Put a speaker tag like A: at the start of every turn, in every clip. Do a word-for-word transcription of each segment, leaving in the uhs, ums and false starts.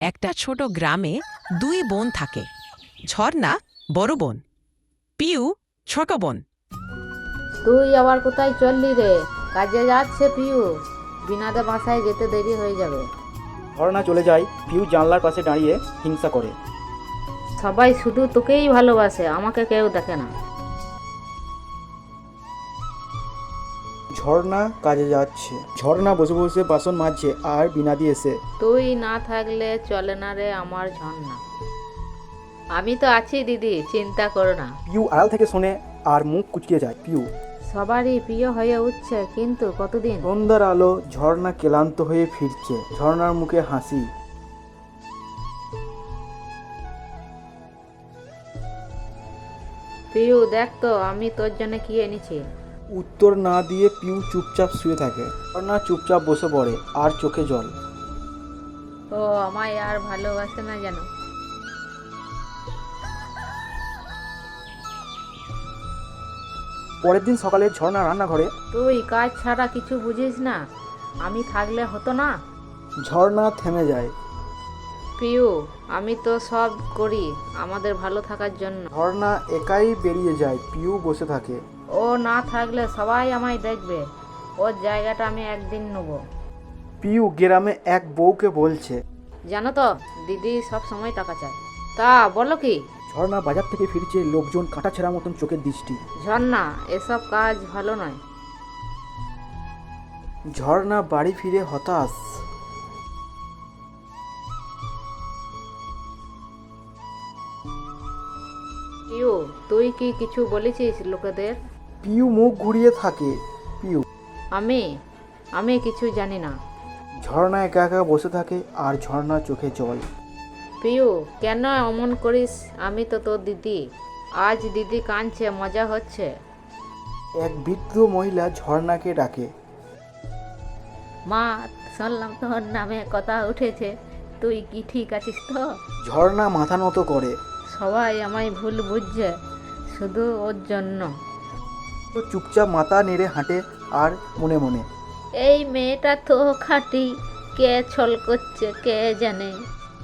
A: একটা ছোট গ্রামে দুই বোন থাকে। ঝর্ণা বড় বোন, পিউ ছোট বোন।
B: তুই আবার কোথায় চললি রে? কাজে যাচ্ছে পিউ, বিনাদে বাসায় যেতে দেরি হয়ে যাবে।
C: ঝর্ণা চলে যায়। পিউ জানলার পাশে দাঁড়িয়ে হিংসা করে।
B: সবাই শুধু তোকেই ভালোবাসে, আমাকে কেউ দেখে না।
C: ঝর্ণা কাজে যাচ্ছে। ঝর্ণা বসে বসে বাসন মাজছে আর বিনাদি এসে।
B: তুই না থাকলে চলে না রে আমার ঝর্ণা। আমি তো আছি দিদি, চিন্তা করো না।
C: পিউ আড়াল থেকে শোনে আর মুখ কুচকে যায়। পিউ
B: সবারই প্রিয় হয়ে উঠছে, কিন্তু কতদিন?
C: সন্ধ্যার আলো, ঝর্ণা ক্লান্ত হয়ে ফিরছে। ঝর্ণার মুখে হাসি।
B: পিউ দেখ তো আমি তোর জন্য কি এনেছি।
C: উত্তর না দিয়ে পিউ চুপচাপ শুয়ে থাকে। ঝর্ণা চুপচাপ বসে পড়ে আর চোখে জল।
B: ও আমায় আর ভালোবাসে না যেন।
C: পরের দিন সকালে ঝর্ণা রান্নাঘরে।
B: তুই কাজ ছাড়া কিছু বুঝিস না? আমি থাকলে হতো না?
C: ঝর্ণা থেমে যায়।
B: পিউ আমি তো সব করি আমাদের ভালো থাকার জন্য।
C: ঝর্ণা একাই বেরিয়ে যায়। পিউ বসে থাকে।
B: ও না থাকলে সবাই আমায় দেখবে, ওর জায়গাটা আমি একদিন নেব।
C: পিউ গ্রামে এক বউকে বলছে।
B: জানো তো দিদি সব সময় টাকা চায়। তা বলো কি?
C: ঝর্ণা বাজার থেকে ফিরছে, লোকজন কাঁটা ছেঁড়ার মতন চোখের দৃষ্টি।
B: ঝর্ণা এসব কাজ ভালো নয়।
C: ঝর্ণা বাড়ি ফিরে হতাশ।
B: পিউ তুই কি কিছু বলেছিস লোকেদের?
C: পিউ মুখ ঘুরিয়ে থাকে। পিউ
B: আমি আমি কিছু জানি না।
C: ঝর্ণা একা একা বসে থাকে আর ঝর্ণা চোখে জল।
B: পিউ কেন অমন করিস? আমি তো তোর দিদি। আজ দিদি কাঁদছে, মজা হচ্ছে।
C: এক বৃদ্ধ মহিলা ঝর্ণাকে ডাকে।
B: মা শুনলাম তোর নামে কথা উঠেছে, তুই কি ঠিক আছিস তো?
C: ঝর্ণা মাথা নত করে।
B: সবাই আমায় ভুল বুঝছে, শুধু ওর জন্য।
C: তো চুপচাপ মাথা নেড়ে হাঁটে আর মনে মনে,
B: এই মেয়েটা তো খাঁটি, কে ছল করছে কে জানে।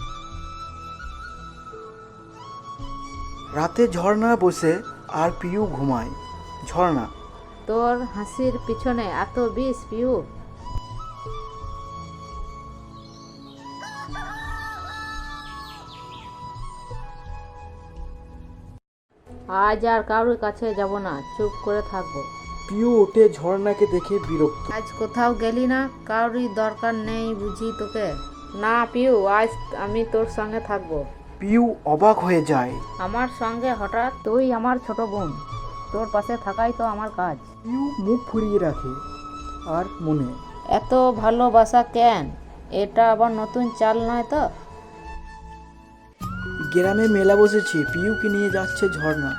C: রাতে ঝর্ণা বসে আর পিউ ঘুমায়। ঝর্ণা
B: তোর হাসির পিছনে এত বিষ পিউ? আজ আর কারোর কাছে যাব না, চুপ করে থাকবো।
C: পিউ ওঠে। ঝর্ণাকে দেখে বিরক্ত।
B: আজ কোথাও গেলি না? কারোরই দরকার নেই বুঝি তোকে? না পিউ, আজ আমি তোর সঙ্গে থাকবো।
C: পিউ অবাক হয়ে যায়।
B: আমার সঙ্গে হঠাৎ? তুই আমার ছোট বোন, তোর পাশে থাকাই তো আমার কাজ।
C: পিউ মুখ ফুরিয়ে রাখে আর মনে,
B: এত ভালোবাসা কেন? এটা আবার নতুন চাল নয় তো?
C: গ্রামে মেলা বসেছে। পিউকে নিয়ে যাচ্ছে ঝর্ণা।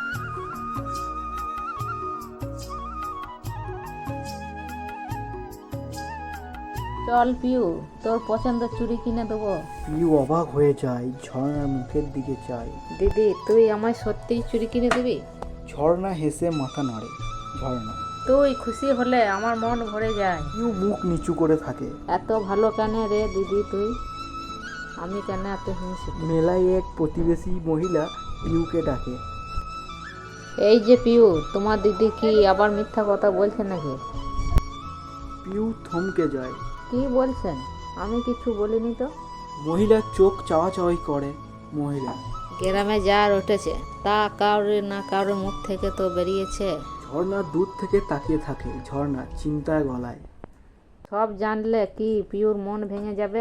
B: চল পিউ, তোর পছন্দের চুড়ি কিনে দেবো।
C: পিউ অবাক হয়ে যায়, ঝর্ণার মুখের দিকে চায়।
B: দিদি তুই আমায় সত্যিই চুড়ি কিনে দিবি?
C: ঝর্ণা হেসে মাথা নাড়ে। ঝর্ণা
B: তুই খুশি হলে আমার মন ভরে যায়।
C: পিউ মুখ নিচু করে থাকে।
B: এত ভালো কেন রে দিদি তুই? আমি কেন এত হিংসিত?
C: মেলায় এক প্রতিবেশী মহিলা পিউকে ডাকে।
B: এই যে পিউ, তোমার দিদি কি আবার মিথ্যা কথা বলছে নাকি?
C: পিউ থমকে যায়।
B: কি বলছেন? আমি কিছু বলিনি তো।
C: মহিলা চোখ চাওয়াচাওয়ি করে। মহিলা
B: গ্রামে যার উঠেছে তা কারোর না কারোর মুখ থেকে তো বেরিয়েছে।
C: ঝর্ণা দূর থেকে তাকিয়ে থাকে। ঝর্ণা চিন্তায় গলায়।
B: সব জানলে কি পিউর মন ভেঙে যাবে?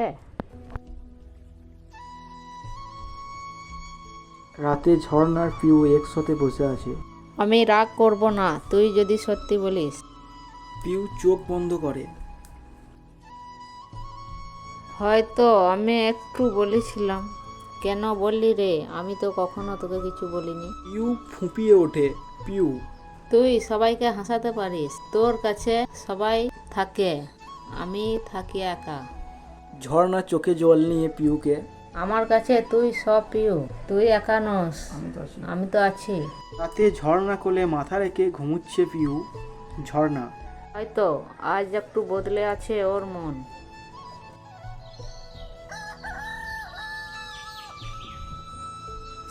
C: রাতে ঝর্ণার পিউ একসাথে বসে আছে।
B: আমি রাগ করব না, তুই যদি সত্যি বলিস।
C: পিউ চোখ বন্ধ করে।
B: হয়তো আমি একটু বলেছিলাম। কেন বললি রে? আমি তো কখনো তোকে কিছু বলিনি।
C: পিউ ফুঁপিয়ে ওঠে। পিউ
B: তুই সবাইকে হাসাতে পারিস, তোর কাছে সবাই থাকে, আমি থাকি একা।
C: ঝর্ণা চোখে জল নিয়ে পিউকে,
B: আমার কাছে তুই সব পিউ, তুই একা নস, আমি তো আছি।
C: রাতে ঝর্ণা কোলে মাথা রেখে ঘুমুচ্ছে পিউ। ঝর্ণা
B: হয়তো আজ একটু বদলে আছে ওর মন।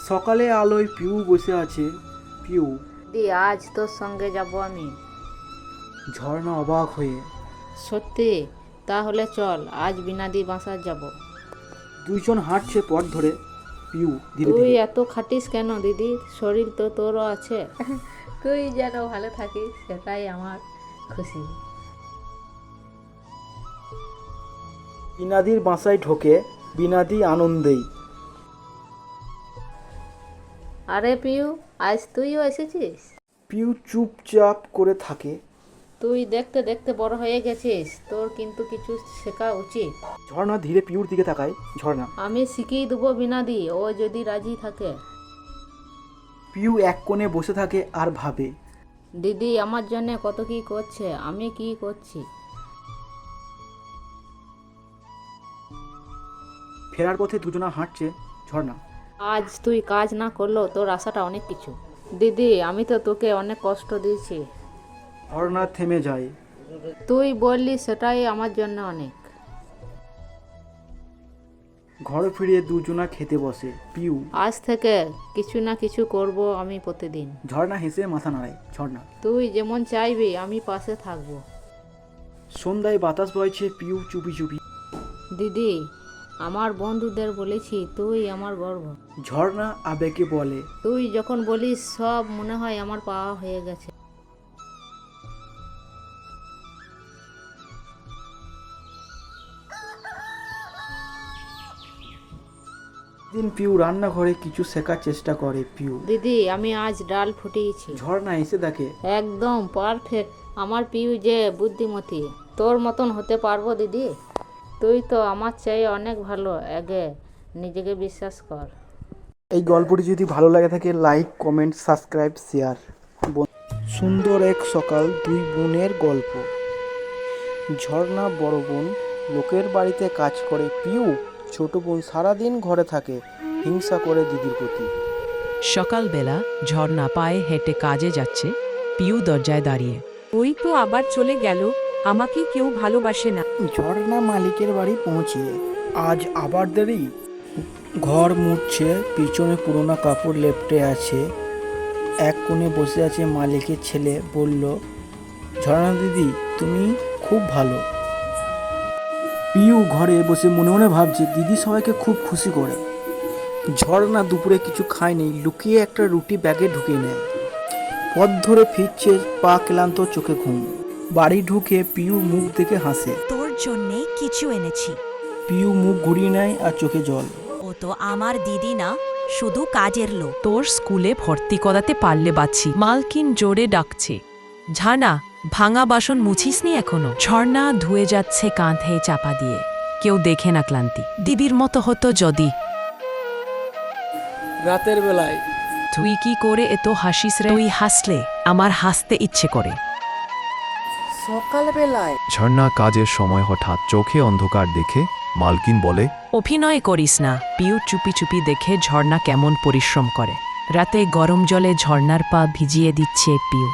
C: সকালে আলোয় পিউ বসে আছে। পিউ,
B: দিদি আজ তোর সঙ্গে যাব আমি।
C: ঝর্ণা অবাক হয়ে।
B: সত্যি? তাহলে চল আজ বিনাদি বাসার যাব।
C: দুইজন হাঁটছে পথ ধরে। পিউ ধীরে
B: তুই
C: ধীরে।
B: এত খাটিস কেন দিদি? শরীর তো তোরও আছে। তুই যেন ভালো থাকিস সেটাই আমার খুশি।
C: বিনাদির বাসায় ঢোকে। বিনাদি আনন্দেই।
B: আরে পিউ, আজ তুইও এসেছিস?
C: পিউ চুপচাপ করে থাকে।
B: তুই দেখতে দেখতে বড় হয়ে গেছিস, তোর কিন্তু কিছু শেখা উচিত।
C: ঝর্ণা ধীরে পিউর দিকে তাকায়। ঝর্ণা।
B: আমি শিখিয়ে দেবো বিনাদি, ও যদি রাজি থাকে।
C: পিউ এক কোণে বসে থাকে আর ভাবে।
B: দিদি আমার জন্য কত কি করছে, আমি কি করছি।
C: ফেরার পথে দুজনা হাঁটছে। ঝর্ণা।
B: আজ তুই কাজ না করলেও তোর আশাটা অনেক কিছু। দিদি আমি তো তোকে অনেক কষ্ট দিয়েছি।
C: ঝর্ণা থেমে যায়।
B: তুই বললি সেটাই আমার জন্য অনেক।
C: ঘরে ফিরে দুজনা খেতে বসে। পিউ।
B: আজ থেকে কিছু না কিছু করব আমি প্রতিদিন।
C: ঝর্ণা হেসে মাথা নাড়ায়। ঝর্ণা।
B: তুই যেমন চাইবি আমি পাশে থাকবো।
C: সন্ধ্যায় বাতাস বইছে। পিউ চুপি চুপি।
B: দিদি আমার বন্ধুদের বলেছি তুই আমার গর্ব।
C: ঝর্ণা আবেগে বলে।
B: তুই যখন বলিস সব মনে হয় আমার পাওয়া হয়ে গেছে।
C: দিন পিউ রান্নাঘরে কিছু শেখার চেষ্টা করে। পিউ।
B: দিদি আমি আজ ডাল ফুটিয়েছি।
C: ঝর্ণা এসে দেখে।
B: একদম পারফেক্ট। আমার পিউ যে বুদ্ধিমতী। তোর মতন হতে পারবো দিদি? তুই তো আমার চেয়ে অনেক ভালো। আগে নিজেকে বিশ্বাস কর।
C: এই গল্পটি যদি ভালো লাগে থাকে লাইক কমেন্ট সাবস্ক্রাইব শেয়ার। সুন্দর এক সকাল দুই বোনের গল্প। ঝর্ণা বড় বোন লোকের বাড়িতে কাজ করে। পিউ ছোট বোন সারাদিন ঘরে থাকে, হিংসা করে দিদির প্রতি।
A: সকালবেলা ঝর্ণা পায়ে হেঁটে কাজে যাচ্ছে। পিউ দরজায় দাঁড়িয়ে।
D: ওই তো আবার চলে গেল, আমাকে কেউ ভালোবাসে না।
C: ঝর্ণা মালিকের বাড়ি পৌঁছিয়ে। আজ আবার দেরি। ঘর মুছছে, পিছনে পুরোনো কাপড় লেপটে আছে। এক কোণে বসে আছে মালিকের ছেলে। বলল, ঝর্ণা দিদি তুমি খুব ভালো। পিউ ঘরে বসে মনে মনে ভাবছে দিদি সবাইকে খুব খুশি করে। ঝর্ণা দুপুরে কিছু খায়নি, লুকিয়ে একটা রুটি ব্যাগে ঢুকিয়ে নেয়। পথ ধরে ফিরছে, পা ক্লান্ত, চোখে ঘুম। বাড়ি ঢুকে পিউ মুখ দেখে হাসে।
E: তোর জন্যে কিছু এনেছি।
C: পিউ মুখ ঘুরিয়ে নেয় আর চোখে জল।
E: ও তো আমার দিদি না, শুধু কাজের লোক।
A: তোর স্কুলে ভর্তি করাতে পারলে বাঁচি। মালকিন জোরে ডাকছে। ঝানা ভাঙা বাসন মুছিসনি এখনো? ঝর্ণা ধুয়ে যাচ্ছে কাঁধে চাপা দিয়ে। কেউ দেখে না ক্লান্তি। দিদির মতো হতো যদি।
C: রাতের বেলায়।
A: তুই কি করে এত হাসিস রে? তুই হাসলে আমার হাসতে ইচ্ছে করে।
C: সকালবেলায়।
F: ঝর্ণা কাজের সময় হঠাৎ চোখে অন্ধকার দেখে মালকিন বলে,
A: অভিনয় করিস না। পিউ চুপি চুপি দেখে ঝর্ণা কেমন পরিশ্রম করে। রাতে গরম জলে ঝর্ণার পা ভিজিয়ে দিচ্ছে পিউ।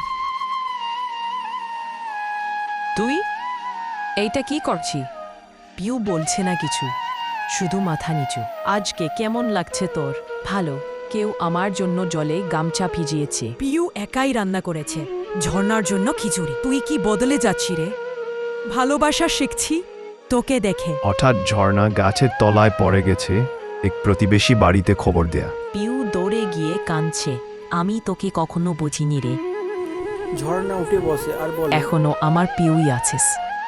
A: তুই এইটা কি করছি? পিউ বলছে না কিছু, শুধু মাথা নিচু। আজকে কেমন লাগছে তোর? ভালো। কেউ আমার জন্য জলে গামছা ভিজিয়েছে।
E: পিউ একাই রান্না করেছে, ঝর্ণার জন্য খিচুড়ি। তুই কি বদলে যাচ্ছি রে? ভালোবাসা শিখছি তোকে দেখে।
F: হঠাৎ ঝর্ণা গাছের তলায় পড়ে গেছে। এক প্রতিবেশী বাড়িতে খবর দেয়া।
A: পিউ দৌড়ে গিয়ে কাঁদছে। আমি তোকে কখনো বুঝিনি রে।
C: ঝর্ণা উঠে বসে আর বলে,
A: এখনো আমার পিউই আছিস।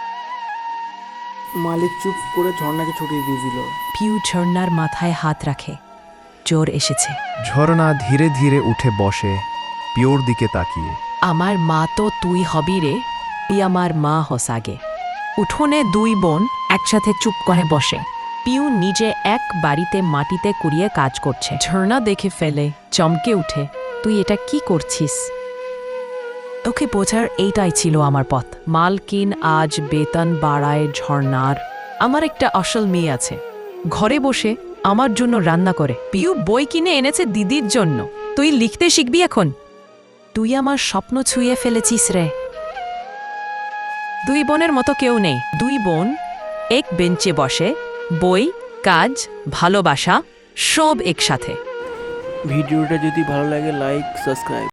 C: মালিক চুপ করে ঝর্ণাকে ছুটিয়ে দিয়ে দিল।
A: পিউ ঝর্ণার মাথায় হাত রাখে। জোর এসেছে।
F: ঝর্ণা ধীরে ধীরে উঠে বসে, পিওর দিকে তাকিয়ে।
A: আমার মা তো তুই হবি রে। তুই আমার মা হস আগে। উঠোনে দুই বোন একসাথে চুপ করে বসে। পিউ নিজে এক বাড়িতে মাটিতে কুড়িয়ে কাজ করছে। ঝর্ণা দেখে ফেলে, চমকে উঠে। তুই এটা কি করছিস? ওকে বোঝার এইটাই ছিল আমার পথ। মালকিন আজ বেতন বাড়ায় ঝর্ণার। আমার একটা আসল মেয়ে আছে, ঘরে বসে আমার জন্য রান্না করে। পিউ বই কিনে এনেছে দিদির জন্য। তুই লিখতে শিখবি এখন। তুই আমার স্বপ্ন ছুঁয়ে ফেলেছিস রে। দুই বোনের মতো কেউ নেই। দুই বোন এক বেঞ্চে বসে, বই, কাজ, ভালোবাসা সব একসাথে।
C: ভিডিওটা যদি ভালো লাগে লাইক সাবস্ক্রাইব।